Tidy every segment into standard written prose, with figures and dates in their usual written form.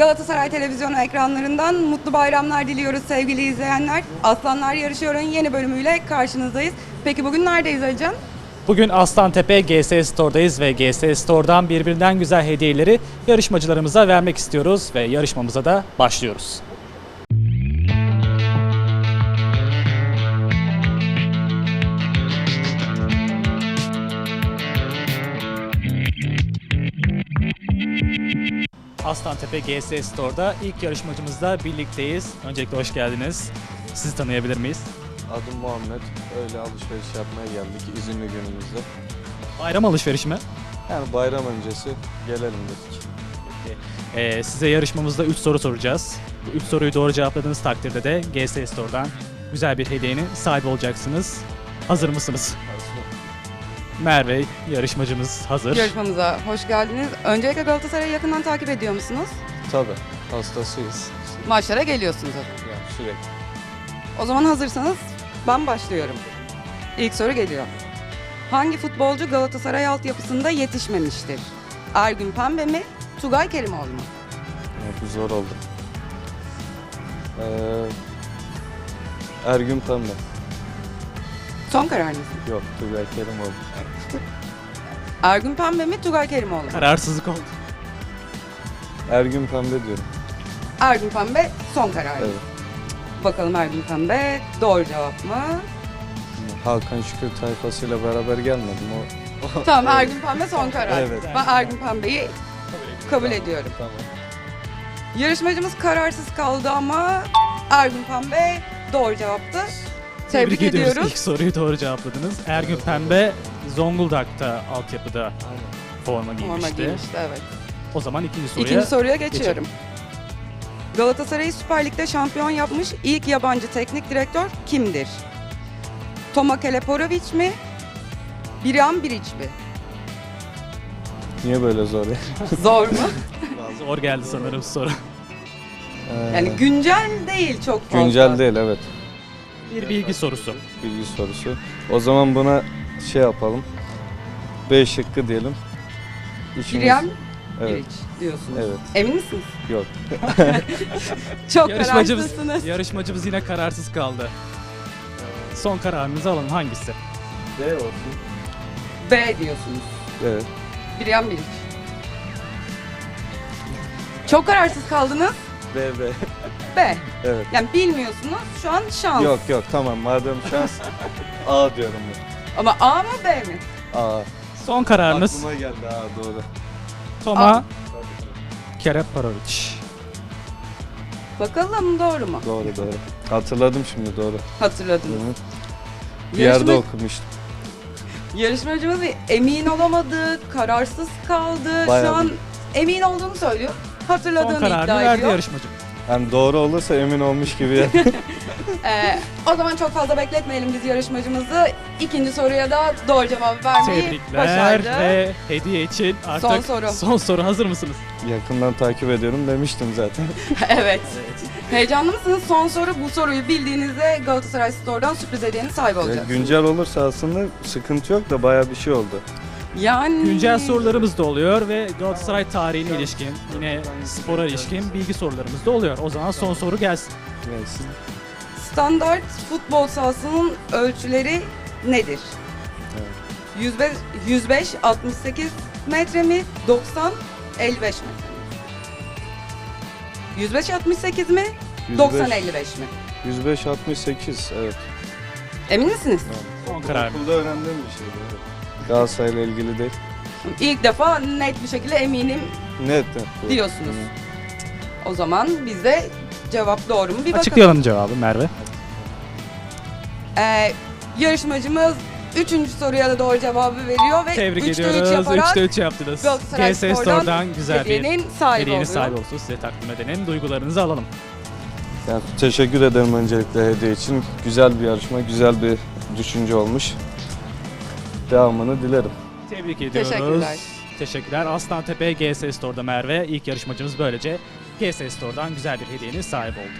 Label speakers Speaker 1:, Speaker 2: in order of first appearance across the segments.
Speaker 1: Galatasaray televizyonu ekranlarından mutlu bayramlar diliyoruz sevgili izleyenler. Aslanlar Yarışıyor'un yeni bölümüyle karşınızdayız. Peki bugün neredeyiz Alican?
Speaker 2: Bugün Aslantepe GS Store'dayız ve GS Store'dan birbirinden güzel hediyeleri yarışmacılarımıza vermek istiyoruz ve yarışmamıza da başlıyoruz. Aslantepe GS Store'da ilk yarışmacımızla birlikteyiz. Öncelikle hoş geldiniz. Sizi tanıyabilir miyiz?
Speaker 3: Adım Muhammed. Öyle alışveriş yapmaya geldik izinli günümüzde.
Speaker 2: Bayram alışverişi mi?
Speaker 3: Yani bayram öncesi gelelim dedik.
Speaker 2: Size yarışmamızda 3 soru soracağız. Bu 3 soruyu doğru cevapladığınız takdirde de GS Store'dan güzel bir hediyenin sahibi olacaksınız. Hazır mısınız? Merve yarışmacımız hazır.
Speaker 1: Yarışmamıza hoş geldiniz. Öncelikle Galatasaray'ı yakından takip ediyor musunuz?
Speaker 3: Tabii hastasıyız.
Speaker 1: Maçlara geliyorsunuz.
Speaker 3: Yani sürekli.
Speaker 1: O zaman hazırsanız ben başlıyorum. İlk soru geliyor. Hangi futbolcu Galatasaray altyapısında yetişmemiştir? Ergün Pembe mi? Tugay Kerimoğlu mu?
Speaker 3: Bu zor oldu. Ergün Pembe.
Speaker 1: Son kararınız mı?
Speaker 3: Yok, Tugay Kerimoğlu.
Speaker 1: Ergün Pembe mi? Tugay Kerimoğlu mu?
Speaker 2: Kararsızlık oldu.
Speaker 3: Ergün Pembe diyorum.
Speaker 1: Ergün Pembe son kararınız.
Speaker 3: Evet.
Speaker 1: Bakalım Ergün Pembe doğru cevap mı?
Speaker 3: Hakan Şükür tayfasıyla beraber gelmedim. O
Speaker 1: Tamam Ergün Pembe son karar.
Speaker 3: Evet.
Speaker 1: Ben Ergün Pembe'yi kabul ediyorum.
Speaker 3: Tamam.
Speaker 1: Yarışmacımız kararsız kaldı ama Ergün Pembe doğru cevaptı. Tebrik ediyoruz.
Speaker 2: İlk soruyu doğru cevapladınız. Ergün Pembe Zonguldak'ta altyapıda forma
Speaker 1: Forma
Speaker 2: giymişti.
Speaker 1: giymişti, evet.
Speaker 2: O zaman ikinci
Speaker 1: İkinci soruya geçiyorum. Galatasaray'ı Süper Lig'de şampiyon yapmış ilk yabancı teknik direktör kimdir? Toma Leporovic mi? Birjan Bilic mi?
Speaker 3: Niye böyle zor ya?
Speaker 1: Zor mu?
Speaker 2: Zor geldi sanırım soru.
Speaker 1: Yani güncel değil çok fazla.
Speaker 3: Güncel değil, evet.
Speaker 2: Bir bilgi sorusu.
Speaker 3: Bilgi sorusu. O zaman buna şey yapalım. B şıkkı diyelim. İçimiz-
Speaker 1: Birjan
Speaker 3: Evet.
Speaker 1: Bilic diyorsunuz.
Speaker 3: Evet.
Speaker 1: Emin misiniz?
Speaker 3: Yok.
Speaker 1: Çok
Speaker 2: Yarışmacımız,
Speaker 1: kararsızsınız.
Speaker 2: yarışmacımız yine kararsız kaldı. Son kararınızı alın. Hangisi?
Speaker 3: D olsun.
Speaker 1: B diyorsunuz.
Speaker 3: Evet.
Speaker 1: Birjan Bilic. Çok kararsız kaldınız.
Speaker 3: B.
Speaker 1: B.
Speaker 3: Evet.
Speaker 1: Yani bilmiyorsunuz. Şu an şans.
Speaker 3: Yok tamam, madem şans A diyorum ben.
Speaker 1: Ama A mı B mi?
Speaker 3: A.
Speaker 2: Son kararınız
Speaker 3: Aklıma geldi A, doğru.
Speaker 2: Toma Kereparovic.
Speaker 1: Bakalım doğru mu?
Speaker 3: Doğru. Hatırladım şimdi, doğru.
Speaker 1: Hatırladınız.
Speaker 3: Bir yerde
Speaker 1: Yarışma-
Speaker 3: okumuştum.
Speaker 1: Yarışmacımız bir emin olamadı, kararsız kaldı.
Speaker 3: Bayağı
Speaker 1: Şu an
Speaker 3: bir-
Speaker 1: emin olduğunu söylüyor.
Speaker 2: Son
Speaker 1: Hatırladığını
Speaker 2: kararını
Speaker 1: iddia
Speaker 2: verdi
Speaker 1: ediyor.
Speaker 2: yarışmacı.
Speaker 3: Yani doğru olursa emin olmuş gibi.
Speaker 1: O zaman çok fazla bekletmeyelim biz yarışmacımızı. İkinci soruya da doğru cevabı vermeyi
Speaker 2: Tebrikler
Speaker 1: başardı.
Speaker 2: ve hediye için artık
Speaker 1: Son soru.
Speaker 2: soru. Hazır mısınız?
Speaker 3: Yakından takip ediyorum demiştim zaten.
Speaker 1: Evet. Heyecanlı mısınız? Son soru. Bu soruyu bildiğinizde Galatasaray Store'dan sürpriz hediyenin sahibi olacaksınız.
Speaker 3: Güncel olursa aslında sıkıntı yok da bayağı bir şey oldu.
Speaker 1: Yani
Speaker 2: Güncel sorularımız da oluyor ve Galatasaray tarihine ilişkin, yine spora ilişkin bilgi sorularımız da oluyor. O zaman son soru gelsin.
Speaker 3: Neyse.
Speaker 1: standart futbol sahasının ölçüleri nedir? 105 68 metre mi? 90 55 metre mi? 105 68 mi? 90 55 mi?
Speaker 3: 105 68, evet.
Speaker 1: Emin misiniz?
Speaker 2: Son karar.
Speaker 3: Okulda öğrendiğim bir şeydi. Evet. Galatasaray'la ilgili değil.
Speaker 1: İlk defa net bir şekilde eminim
Speaker 3: Net. bu.
Speaker 1: diyorsunuz. O zaman biz de cevap doğru mu bir bakalım.
Speaker 2: Açıklayalım cevabı Merve.
Speaker 1: Yarışmacımız 3. soruya da doğru cevabı veriyor ve
Speaker 2: Tebrik
Speaker 1: 3'te 3
Speaker 2: ediyoruz.
Speaker 1: yaparak
Speaker 2: 3'te 3 yaptınız.
Speaker 1: Galatasaray
Speaker 2: GS
Speaker 1: Store'dan
Speaker 2: Store'dan güzel bir
Speaker 1: hediyenin sahibi
Speaker 2: hediyenin
Speaker 1: oluyor.
Speaker 2: sahibi olsun. Size takdim edelim. Duygularınızı alalım.
Speaker 3: Yani teşekkür ederim öncelikle hediye için. Güzel bir yarışma, güzel bir düşünce olmuş. Devamını dilerim.
Speaker 2: Tebrik ediyoruz.
Speaker 1: Teşekkürler.
Speaker 2: Teşekkürler. Aslantepe GS Store'da Merve. İlk yarışmacımız böylece GS Store'dan güzel bir hediyenin sahibi oldu.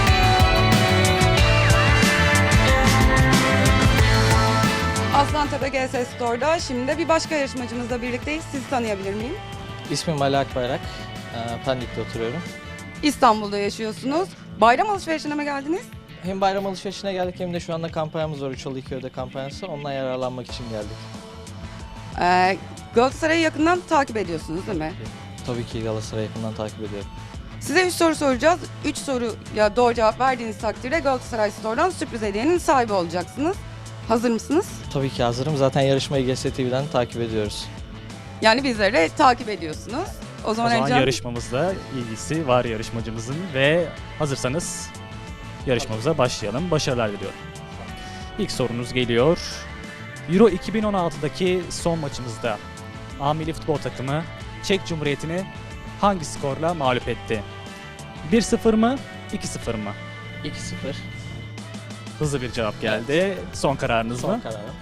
Speaker 1: Aslantepe GS Store'da. Şimdi de bir başka yarışmacımızla birlikteyiz. Sizi tanıyabilir miyim?
Speaker 4: İsmim Ali Akbayrak. Pendik'te oturuyorum.
Speaker 1: İstanbul'da yaşıyorsunuz. Bayram alışverişine mi geldiniz?
Speaker 4: Hem bayram alışverişine geldik hem de şu anda kampanyamız var. 3 2 öde kampanyası. Ondan yararlanmak için geldik.
Speaker 1: Galatasaray'ı yakından takip ediyorsunuz değil mi?
Speaker 4: Tabii ki Galatasaray'ı yakından takip ediyorum.
Speaker 1: Size 3 soru soracağız. 3 soruya doğru cevap verdiğiniz takdirde Galatasaray Store'dan sürpriz hediyenin sahibi olacaksınız. Hazır mısınız?
Speaker 4: Tabii ki hazırım. Zaten yarışmayı GS TV'den takip ediyoruz.
Speaker 1: Yani bizleri de takip ediyorsunuz. O zaman,
Speaker 2: O zaman
Speaker 1: Ercan,
Speaker 2: yarışmamızla ilgisi var yarışmacımızın ve hazırsanız yarışmamıza başlayalım. Başarılar diliyorum. İlk sorunuz geliyor. Euro 2016'daki son maçımızda A Milli Futbol Takımı Çek Cumhuriyeti'ni hangi skorla mağlup etti? 1-0 mı, 2-0 mı?
Speaker 4: 2-0.
Speaker 2: Hızlı bir cevap geldi. Son kararınız
Speaker 4: Son
Speaker 2: mı?
Speaker 4: kararım.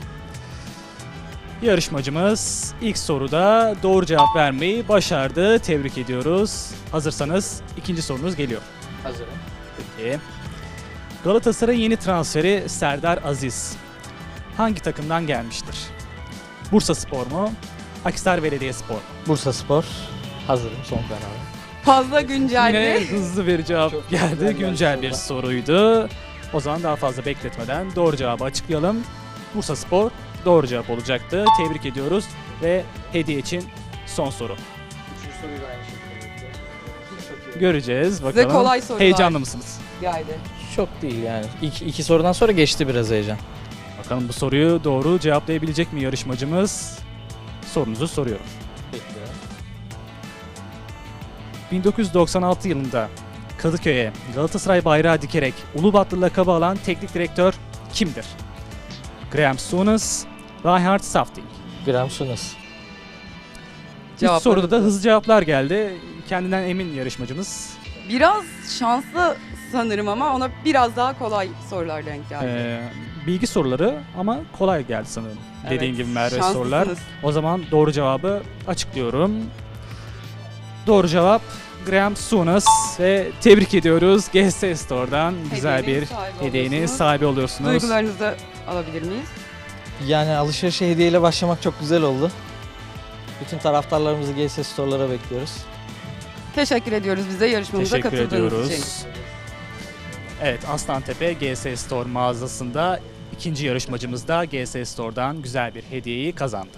Speaker 2: Yarışmacımız ilk soruda doğru cevap vermeyi başardı. Tebrik ediyoruz. Hazırsanız ikinci sorunuz geliyor.
Speaker 4: Hazırım.
Speaker 2: Peki. Galatasaray'ın yeni transferi Serdar Aziz hangi takımdan gelmiştir? Bursaspor mu? Akhisar Belediyespor mu?
Speaker 4: Bursaspor. Hazırım. Son kararım.
Speaker 1: fazla güncelli.
Speaker 2: Yine hızlı bir cevap
Speaker 4: Çok
Speaker 2: geldi.
Speaker 4: güzel
Speaker 2: Güncel bir
Speaker 4: geldi.
Speaker 2: soruydu. O zaman daha fazla bekletmeden doğru cevabı açıklayalım. Bursaspor doğru cevap olacaktı. Tebrik ediyoruz ve hediye için son soru.
Speaker 4: Üçüncü soruyu da aynı şekilde.
Speaker 2: Göreceğiz bakalım.
Speaker 1: kolay sorular.
Speaker 2: Heyecanlı mısınız?
Speaker 1: geldi.
Speaker 4: Çok değil yani. İki sorudan sonra geçti biraz heyecan.
Speaker 2: Bakalım bu soruyu doğru cevaplayabilecek mi yarışmacımız? Sorunuzu soruyorum.
Speaker 4: Bekliyorum.
Speaker 2: 1996 yılında Kadıköy'e Galatasaray bayrağı dikerek Ulubatlı lakabı alan teknik direktör kimdir? Graham Souness, Reinhard Safting.
Speaker 4: Graham Souness.
Speaker 2: İlk
Speaker 1: Cevaplarınız
Speaker 2: soruda da
Speaker 1: mı?
Speaker 2: hızlı cevaplar geldi. Kendinden emin yarışmacımız.
Speaker 1: Biraz şanslı sanırım ama ona biraz daha kolay sorular denk geldi.
Speaker 2: Bilgi soruları ama kolay geldi sanırım. Dediğin gibi Merve
Speaker 1: şanslısınız.
Speaker 2: sorular. O zaman doğru cevabı açıklıyorum. Doğru cevap Graham Souness ve tebrik ediyoruz. GS Store'dan güzel bir
Speaker 1: Hediyenin sahibi
Speaker 2: hediyenin
Speaker 1: oluyorsunuz.
Speaker 2: sahibi oluyorsunuz.
Speaker 1: Duygularınızı alabilir miyiz?
Speaker 4: Yani alışverişe hediyeyle başlamak çok güzel oldu. Bütün taraftarlarımızı GS Store'lara bekliyoruz.
Speaker 1: Teşekkür ediyoruz bize yarışmamıza
Speaker 2: Teşekkür
Speaker 1: katıldığınız için.
Speaker 2: ediyoruz. Evet, Aslantepe GS Store mağazasında ikinci yarışmacımız da GS Store'dan güzel bir hediyeyi kazandı.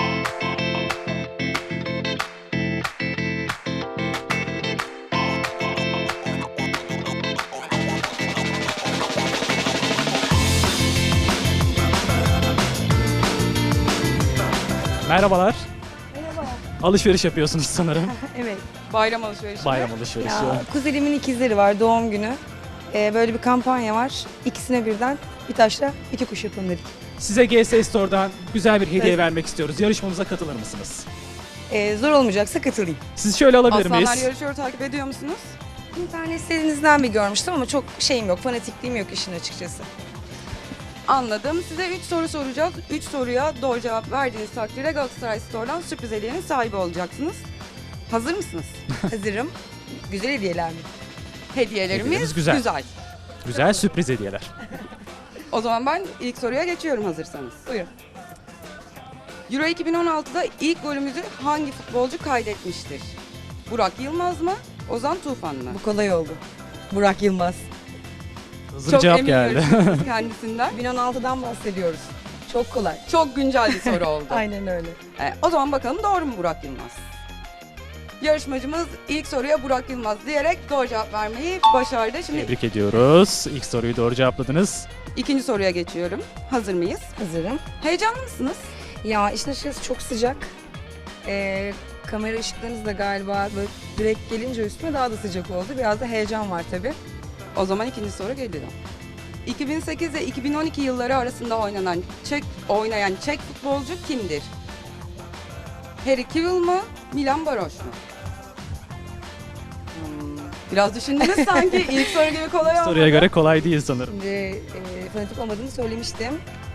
Speaker 5: Merhaba.
Speaker 2: Merhabalar. Alışveriş yapıyorsunuz sanırım.
Speaker 5: Evet.
Speaker 1: Bayram alışverişi.
Speaker 2: Bayram alışverişi.
Speaker 5: Ya, kuzenimin ikizleri var, doğum günü. Böyle bir kampanya var. İkisine birden bir taşla iki kuş yapalım dedik.
Speaker 2: Size GS Store'dan güzel bir hediye
Speaker 5: Evet.
Speaker 2: vermek istiyoruz. Yarışmamıza katılır mısınız?
Speaker 5: Zor olmayacaksa katılayım.
Speaker 2: Sizi şöyle alabilir
Speaker 1: Aslanlar
Speaker 2: miyiz?
Speaker 1: yarışıyor takip ediyor musunuz?
Speaker 5: İnternet sitenizden bir görmüştüm ama çok şeyim yok, fanatikliğim yok işin açıkçası.
Speaker 1: Anladım. Size 3 soru soracağız. 3 soruya doğru cevap verdiğiniz takdirde Galatasaray Store'dan sürpriz hediyenin sahibi olacaksınız. Hazır mısınız?
Speaker 5: Hazırım. Güzel hediyeler mi?
Speaker 1: Hediyelerimiz
Speaker 2: Hediyelerimiz güzel.
Speaker 1: güzel.
Speaker 2: Güzel sürpriz hediyeler.
Speaker 1: O zaman ben ilk soruya geçiyorum hazırsanız.
Speaker 5: Buyurun.
Speaker 1: Euro 2016'da ilk golümüzü hangi futbolcu kaydetmiştir? Burak Yılmaz mı? Ozan Tufan mı?
Speaker 5: Bu kolay oldu. Burak Yılmaz.
Speaker 2: Hızlı bir cevap geldi.
Speaker 1: yarışmacımız kendisinden.
Speaker 5: 2016'dan bahsediyoruz. Çok kolay.
Speaker 1: Çok güncel bir soru oldu.
Speaker 5: Aynen öyle.
Speaker 1: O zaman bakalım doğru mu Burak Yılmaz? Yarışmacımız ilk soruya Burak Yılmaz diyerek doğru cevap vermeyi başardı. Şimdi
Speaker 2: Tebrik ediyoruz. İlk soruyu doğru cevapladınız.
Speaker 1: ikinci soruya geçiyorum. Hazır mıyız?
Speaker 5: Hazırım.
Speaker 1: Heyecanlı mısınız?
Speaker 5: Ya işin açıkçası çok sıcak. Kamera ışıklarınız da galiba böyle direkt gelince üstüme daha da sıcak oldu. Biraz da heyecan var tabii.
Speaker 1: O zaman ikinci soru geliyor. 2008 ve 2012 yılları arasında oynayan Çek futbolcu kimdir? Harry Kewell mı? Milan Baroş mu? Biraz düşündünüz sanki. İlk soru gibi kolay olmadı.
Speaker 2: Soruya göre kolay değil sanırım.
Speaker 5: Şimdi fanatik olmadığımı söylemiştim.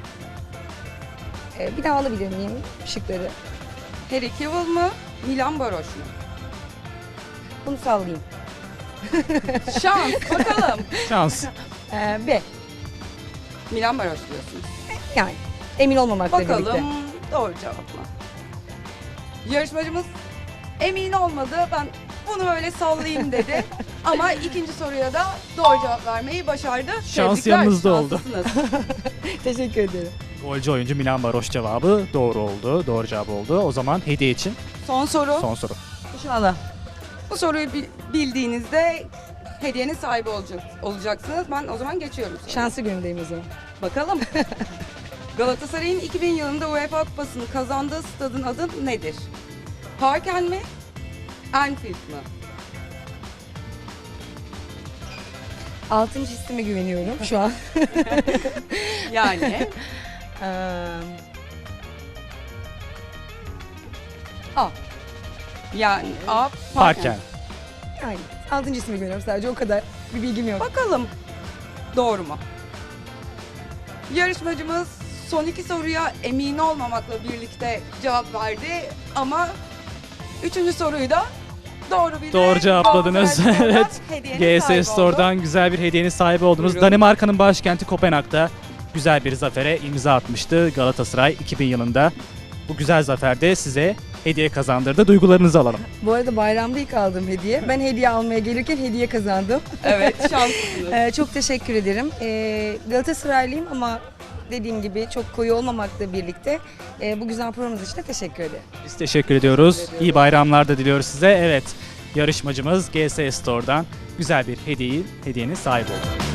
Speaker 5: Bir daha alabilir miyim şıkları?
Speaker 1: Harry Kewell mı? Milan Baroş mu?
Speaker 5: Bunu sallayayım.
Speaker 1: Şans bakalım.
Speaker 2: Şans.
Speaker 5: B.
Speaker 1: Milan Baroş diyorsunuz.
Speaker 5: Yani Emin olmamakla birlikte.
Speaker 1: Bakalım doğru cevap mı? Yarışmacımız emin olmadı. Ben bunu böyle sallayayım dedi. Ama ikinci soruya da doğru cevap vermeyi başardı.
Speaker 2: Şans
Speaker 1: Tebrikler,
Speaker 2: yanınızda oldu.
Speaker 1: şanslısınız.
Speaker 5: Teşekkür ederim.
Speaker 2: Golcü oyuncu Milan Baroş cevabı doğru oldu. Doğru cevap oldu. O zaman hediye için
Speaker 1: Son soru.
Speaker 2: son soru.
Speaker 5: İnşallah.
Speaker 1: Bu soruyu bildiğinizde hediyenin sahibi olacaksınız. Ben o zaman geçiyorum. soruya.
Speaker 5: Şanslı günümdeyim o zaman.
Speaker 1: Bakalım. Galatasaray'ın 2000 yılında UEFA Kupası'nı kazandığı stadın adı nedir? Parken mi? Anfield mı?
Speaker 5: 6. hissime güveniyorum şu an.
Speaker 1: Yani A. Yani A.
Speaker 2: Parken.
Speaker 5: Aynen. 6. hissime güveniyorum sadece o kadar. Bir bilgim yok.
Speaker 1: Bakalım doğru mu? Yarışmacımız son iki soruya emin olmamakla birlikte cevap verdi ama üçüncü soruyu da doğru bildi.
Speaker 2: Doğru cevapladınız.
Speaker 1: Galatasaray Spor'dan
Speaker 2: Evet.
Speaker 1: hediyenin sahibi
Speaker 2: GS
Speaker 1: oldu.
Speaker 2: Store'dan güzel bir hediyenin sahibi oldunuz.
Speaker 1: Buyurun.
Speaker 2: Danimarka'nın başkenti Kopenhag'da güzel bir zafere imza atmıştı Galatasaray 2000 yılında. Bu güzel zaferde size hediye kazandırdı. Duygularınızı alalım.
Speaker 5: Bu arada bayramda ilk aldığım hediye. Ben hediye almaya gelirken hediye kazandım.
Speaker 1: Evet, şanslısınız.
Speaker 5: Çok teşekkür ederim. Galatasaraylıyım ama dediğim gibi çok koyu olmamakla birlikte bu güzel programımız için de teşekkür ederim.
Speaker 2: Biz teşekkür ediyoruz. İyi bayramlar da diliyoruz size. Evet, yarışmacımız GS Store'dan güzel bir hediyenin sahibi oldu.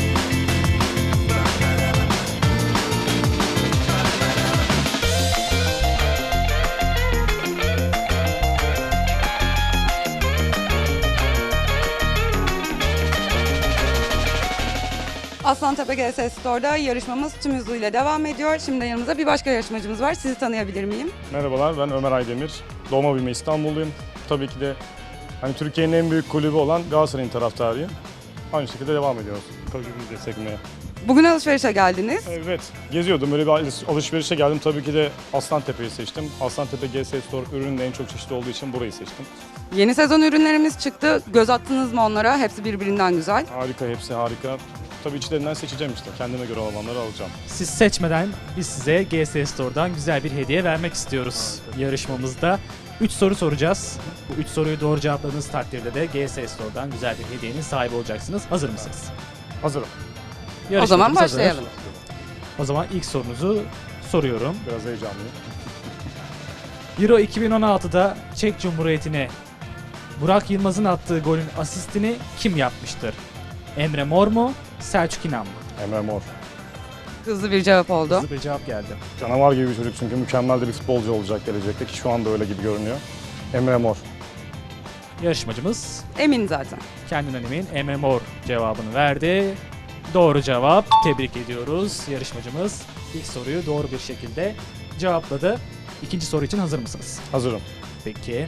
Speaker 1: Aslantepe GS Store'da yarışmamız tüm hızıyla devam ediyor. Şimdi yanımızda bir başka yarışmacımız var. Sizi tanıyabilir miyim?
Speaker 6: Merhabalar, ben Ömer Aydemir. Doğma büyüme İstanbulluyum. Tabii ki de hani Türkiye'nin en büyük kulübü olan Galatasaray'ın taraftarıyım. Aynı şekilde devam ediyoruz kulübümüzü desteklemeye.
Speaker 1: Bugün alışverişe geldiniz.
Speaker 6: Evet, geziyordum. Böyle bir alışverişe geldim. Tabii ki de Aslantepe'yi seçtim. Aslantepe GS Store ürünün en çok çeşitli olduğu için burayı seçtim.
Speaker 1: Yeni sezon ürünlerimiz çıktı. Göz attınız mı onlara? Hepsi birbirinden güzel.
Speaker 6: Harika, hepsi harika. Tabii içlerinden seçeceğim işte. Kendime göre olanları alacağım.
Speaker 2: Siz seçmeden biz size GS Store'dan güzel bir hediye vermek istiyoruz yarışmamızda. 3 soru soracağız. Bu 3 soruyu doğru cevapladığınız takdirde de GS Store'dan güzel bir hediyenin sahibi olacaksınız. Hazır mısınız?
Speaker 6: Hazırım.
Speaker 1: O zaman
Speaker 2: Yarışmacımız hazır.
Speaker 1: başlayalım.
Speaker 2: O zaman ilk sorunuzu soruyorum.
Speaker 6: Biraz heyecanlıyım.
Speaker 2: Euro 2016'da Çek Cumhuriyeti'ne Burak Yılmaz'ın attığı golün asistini kim yapmıştır? Emre Mor mu? Selçuk İnan mı?
Speaker 6: Emre Mor.
Speaker 1: Hızlı bir cevap oldu.
Speaker 2: Hızlı bir cevap geldi.
Speaker 6: Canavar gibi bir çocuk çünkü mükemmel de bir futbolcu olacak gelecekte ki şu anda öyle gibi görünüyor. Emre Mor.
Speaker 2: Yarışmacımız
Speaker 1: Emin zaten.
Speaker 2: kendinden emin Emre Mor cevabını verdi. Doğru cevap. Tebrik ediyoruz. Yarışmacımız ilk soruyu doğru bir şekilde cevapladı. İkinci soru için hazır mısınız?
Speaker 6: Hazırım.
Speaker 2: Peki.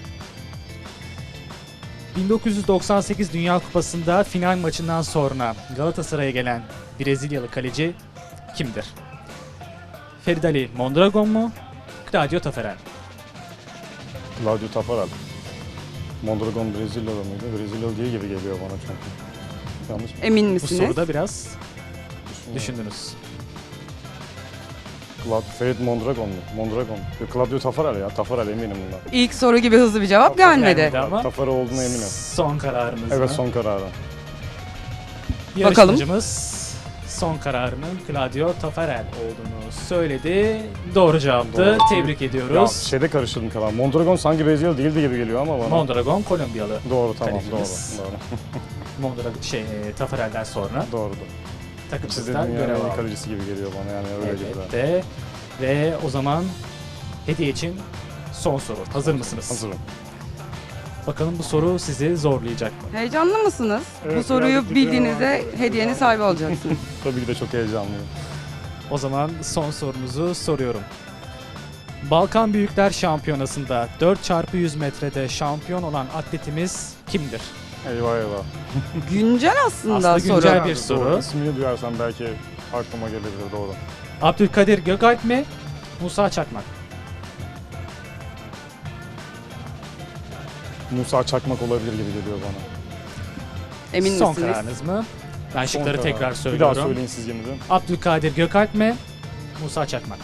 Speaker 2: 1998 Dünya Kupası'nda final maçından sonra Galatasaray'a gelen Brezilyalı kaleci kimdir? Feridali Mondragon mu? Claudio Taffarel.
Speaker 6: Claudio Taffarel. Mondragon Brezilyalı mıydı? Brezilyalı değil gibi geliyor bana çünkü. Yanlış mı?
Speaker 1: Emin
Speaker 2: Bu
Speaker 1: misiniz?
Speaker 2: soruda biraz
Speaker 6: Düşünüyorum.
Speaker 2: düşündünüz.
Speaker 6: Ferit Mondragon mu? Mondragon. Claudio Taffarel ya. Taffarel eminim bundan.
Speaker 1: İlk soru gibi hızlı bir cevap gelmedi.
Speaker 2: Gelmedi ama
Speaker 6: Taffarel olduğuna eminim.
Speaker 2: son kararınız
Speaker 6: Evet
Speaker 2: mı?
Speaker 6: son kararı.
Speaker 2: Yarışmacımız son kararının Claudio Taffarel olduğunu söyledi. Doğru cevaptı.
Speaker 6: Doğru.
Speaker 2: Tebrik
Speaker 6: Ya
Speaker 2: ediyoruz.
Speaker 6: şeyde karıştırdım kalan. Mondragon sanki Brezilyalı değildi gibi geliyor ama bana.
Speaker 2: Mondragon Kolombiyalı.
Speaker 6: Doğru tamam
Speaker 2: Kalecimiz.
Speaker 6: doğru.
Speaker 2: Mondragon Taffarel'den sonra
Speaker 6: Doğru. Doğru.
Speaker 2: takımsızdan
Speaker 6: Çizdiğin
Speaker 2: görev
Speaker 6: yani en iyi
Speaker 2: aldı.
Speaker 6: kalecisi gibi geliyor bana yani öyle gibi.
Speaker 2: Evet de ve o zaman hediye için son soru. Hazır mısınız?
Speaker 6: Hazırım.
Speaker 2: Bakalım bu soru sizi zorlayacak mı?
Speaker 1: Heyecanlı mısınız?
Speaker 6: Evet,
Speaker 1: Bu soruyu
Speaker 6: birazcık
Speaker 1: bildiğinizde
Speaker 6: titriyorum.
Speaker 1: hediyenin sahibi olacaksınız.
Speaker 6: Tabii ki de çok heyecanlıyım.
Speaker 2: O zaman son sorunuzu soruyorum. Balkan Büyükler Şampiyonası'nda 4x100 metrede şampiyon olan atletimiz kimdir?
Speaker 6: Eyvah eyvah.
Speaker 1: Güncel aslında,
Speaker 2: Aslında
Speaker 1: soru.
Speaker 2: güncel bir soru.
Speaker 6: Doğru. İsmini duyarsam belki aklıma gelebilir doğru.
Speaker 2: Abdülkadir Gökalp mi? Musa Çakmak.
Speaker 6: Musa Çakmak olabilir gibi geliyor bana.
Speaker 1: Emin
Speaker 2: Son
Speaker 1: misiniz?
Speaker 2: kararınız mı? Ben
Speaker 6: Son
Speaker 2: şıkları
Speaker 6: karar.
Speaker 2: tekrar
Speaker 6: Bir
Speaker 2: söylüyorum.
Speaker 6: daha söyleyin siz yine de.
Speaker 2: Abdülkadir Gökalp mi? Musa Çakmak.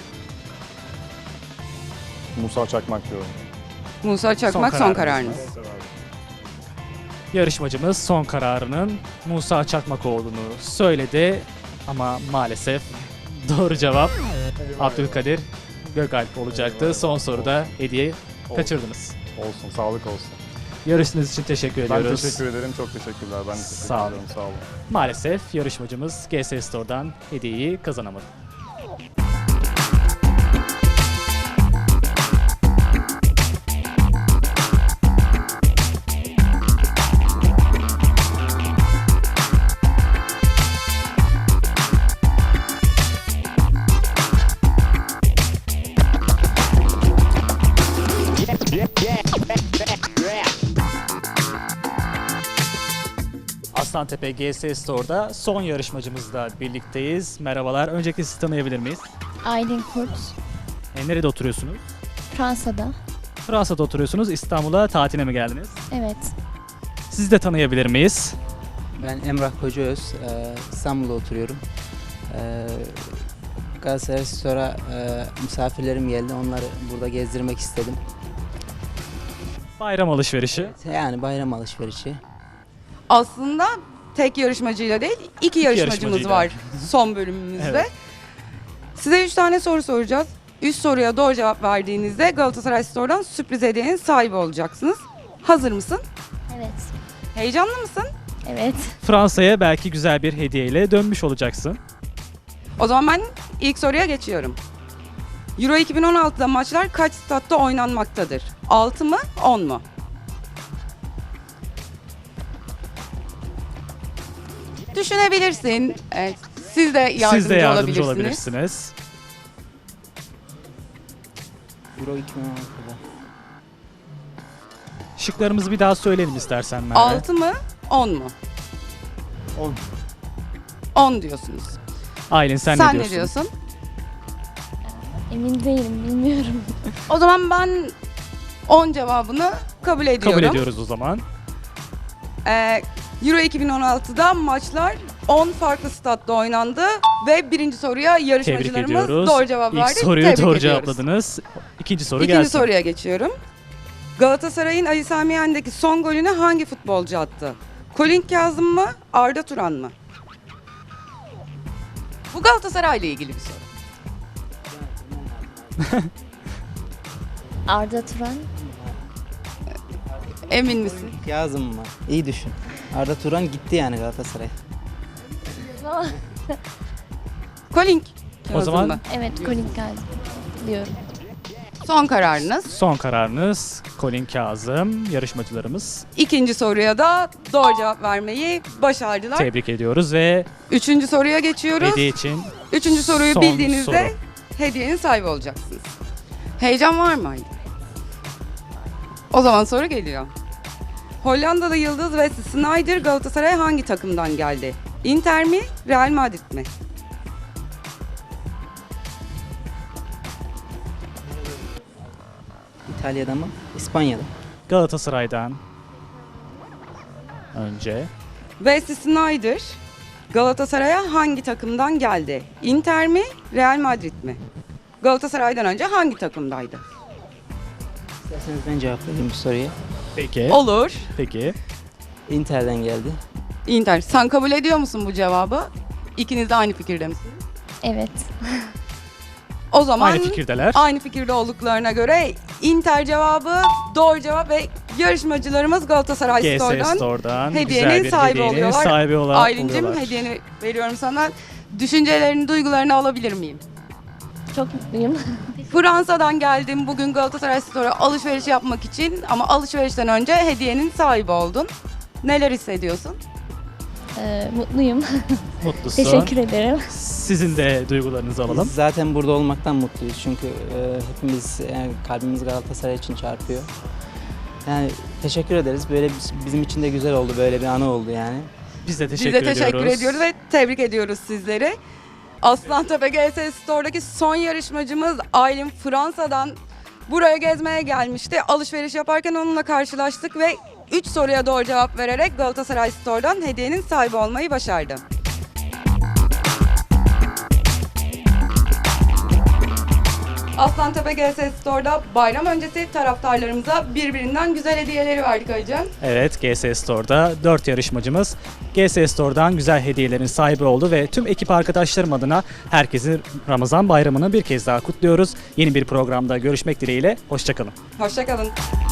Speaker 6: Musa Çakmak diyorum.
Speaker 1: Musa Çakmak son kararınız.
Speaker 2: Yarışmacımız son kararının Musa Çakmak olduğunu söyledi ama maalesef doğru cevap Abdülkadir Gökalp olacaktı. Son soruda hediye kaçırdınız.
Speaker 6: Olsun, sağlık olsun.
Speaker 2: Yarıştığınız için teşekkür
Speaker 6: Ben
Speaker 2: ediyoruz.
Speaker 6: teşekkür ederim, çok teşekkürler. Ben de teşekkür
Speaker 2: Sağ olun.
Speaker 6: ederim, sağ olun.
Speaker 2: Maalesef yarışmacımız GS Store'dan hediyeyi kazanamadı. Aslantepe GS Store'da son yarışmacımızla birlikteyiz. Merhabalar. Öncelikle sizi tanıyabilir miyiz?
Speaker 7: Aylin Kurt,
Speaker 2: Nerede oturuyorsunuz?
Speaker 7: Fransa'da.
Speaker 2: Fransa'da oturuyorsunuz. İstanbul'a tatile mi geldiniz?
Speaker 7: Evet.
Speaker 2: Sizi de tanıyabilir miyiz?
Speaker 8: Ben Emrah Kocaöz, İstanbul'da oturuyorum. Galatasaray Store'a misafirlerim geldi, onları burada gezdirmek istedim.
Speaker 2: Bayram alışverişi.
Speaker 8: Yani bayram alışverişi.
Speaker 1: Aslında tek yarışmacıyla değil, iki yarışmacımız
Speaker 2: yarışmacıyla.
Speaker 1: var son bölümümüzde.
Speaker 2: Evet.
Speaker 1: Size 3 tane soru soracağız. 3 soruya doğru cevap verdiğinizde Galatasaray Store'dan sürpriz hediyenin sahibi olacaksınız. Hazır mısın?
Speaker 7: Evet.
Speaker 1: Heyecanlı mısın?
Speaker 7: Evet.
Speaker 2: Fransa'ya belki güzel bir hediyeyle dönmüş olacaksın.
Speaker 1: O zaman ben ilk soruya geçiyorum. Euro 2016'da maçlar kaç statta oynanmaktadır? 6 mı, 10 mu? Düşünebilirsin. Evet, siz de yardımcı,
Speaker 2: Siz de yardımcı
Speaker 1: olabilirsiniz.
Speaker 2: olabilirsiniz.
Speaker 8: Euro 2016'da.
Speaker 2: Şıklarımızı bir daha söyleyelim istersen Merve.
Speaker 1: 6 mı, 10 mu?
Speaker 8: 10.
Speaker 1: 10 diyorsunuz.
Speaker 2: Aylin sen ne diyorsun?
Speaker 1: ne diyorsun?
Speaker 7: Emin değilim, bilmiyorum.
Speaker 1: O zaman ben 10 cevabını kabul ediyorum.
Speaker 2: Kabul ediyoruz o zaman.
Speaker 1: Euro 2016'da maçlar 10 farklı statta oynandı ve birinci soruya
Speaker 2: Tebrik
Speaker 1: yarışmacılarımız
Speaker 2: ediyoruz.
Speaker 1: doğru cevap verdi.
Speaker 2: İlk soruyu
Speaker 1: Tebrik
Speaker 2: doğru
Speaker 1: ediyoruz.
Speaker 2: cevapladınız. İkinci soru
Speaker 1: İkinci
Speaker 2: gelsin.
Speaker 1: soruya geçiyorum. Galatasaray'ın Ali Sami Yen'deki son golünü hangi futbolcu attı? Colin Kazım mı, Arda Turan mı? Bu Galatasaray'la ilgili bir soru.
Speaker 7: Arda Turan.
Speaker 1: Emin misin?
Speaker 8: Yazım mı? İyi düşün. Arda Turan gitti yani Galatasaray'a.
Speaker 1: Colin Kazım
Speaker 2: O zaman-
Speaker 1: mı?
Speaker 7: Evet, Colin Kazım diyorum.
Speaker 1: Son kararınız.
Speaker 2: Son kararınız Colin Kazım. Yarışmacılarımız
Speaker 1: İkinci soruya da doğru cevap vermeyi başardılar.
Speaker 2: tebrik ediyoruz ve
Speaker 1: Üçüncü soruya geçiyoruz.
Speaker 2: hediye için
Speaker 1: Üçüncü soruyu
Speaker 2: son
Speaker 1: bildiğinizde
Speaker 2: soru.
Speaker 1: hediyenin sahibi olacaksınız. Heyecan var mı Aylin? O zaman soru geliyor. Hollandalı yıldız Wesley Sneijder Galatasaray'a hangi takımdan geldi? Inter mi, Real Madrid mi?
Speaker 8: İtalya'da mı? İspanya'da.
Speaker 2: Galatasaray'dan önce
Speaker 1: Wesley Sneijder Galatasaray'a hangi takımdan geldi? Inter mi, Real Madrid mi? Galatasaray'dan önce hangi takımdaydı?
Speaker 8: İsterseniz ben cevap vereyim bu soruya.
Speaker 2: peki
Speaker 1: Olur.
Speaker 2: peki
Speaker 8: Inter'den geldi.
Speaker 1: Inter. Sen kabul ediyor musun bu cevabı? İkiniz de aynı fikirde misiniz?
Speaker 7: Evet.
Speaker 1: O zaman
Speaker 2: aynı fikirdeler.
Speaker 1: aynı fikirde olduklarına göre Inter cevabı doğru cevap ve yarışmacılarımız Galatasaray
Speaker 2: GS
Speaker 1: Store'dan
Speaker 2: Store'dan
Speaker 1: hediyenin
Speaker 2: güzel bir
Speaker 1: sahibi
Speaker 2: hediyenin
Speaker 1: oluyorlar.
Speaker 2: sahibi
Speaker 1: Aylin'cim
Speaker 2: oluyorlar.
Speaker 1: hediyeni veriyorum sana. Düşüncelerini, duygularını alabilir miyim?
Speaker 7: Çok mutluyum.
Speaker 1: Fransa'dan geldim bugün Galatasaray Store'a alışveriş yapmak için ama alışverişten önce hediyenin sahibi oldun. Neler hissediyorsun?
Speaker 7: Mutluyum.
Speaker 2: Mutlusun.
Speaker 7: Teşekkür ederim.
Speaker 2: Sizin de duygularınızı alalım.
Speaker 8: Biz zaten burada olmaktan mutluyuz çünkü hepimiz yani kalbimiz Galatasaray için çarpıyor. Yani teşekkür ederiz. Böyle bizim için de güzel oldu. Böyle bir anı oldu yani.
Speaker 2: Biz de
Speaker 1: Biz
Speaker 2: teşekkür
Speaker 1: de teşekkür
Speaker 2: ediyoruz.
Speaker 1: ediyoruz ve tebrik ediyoruz sizleri. Aslantepe GS Store'daki son yarışmacımız Aylin Fransa'dan buraya gezmeye gelmişti. Alışveriş yaparken onunla karşılaştık ve 3 soruya doğru cevap vererek Galatasaray Store'dan hediyenin sahibi olmayı başardı. Aslantepe GS Store'da bayram öncesi taraftarlarımıza birbirinden güzel hediyeleri verdik Aycan.
Speaker 2: Evet, GS Store'da 4 yarışmacımız GS Store'dan güzel hediyelerin sahibi oldu ve tüm ekip arkadaşlarım adına herkesin Ramazan bayramını bir kez daha kutluyoruz. Yeni bir programda görüşmek dileğiyle, hoşçakalın.
Speaker 1: Hoşçakalın.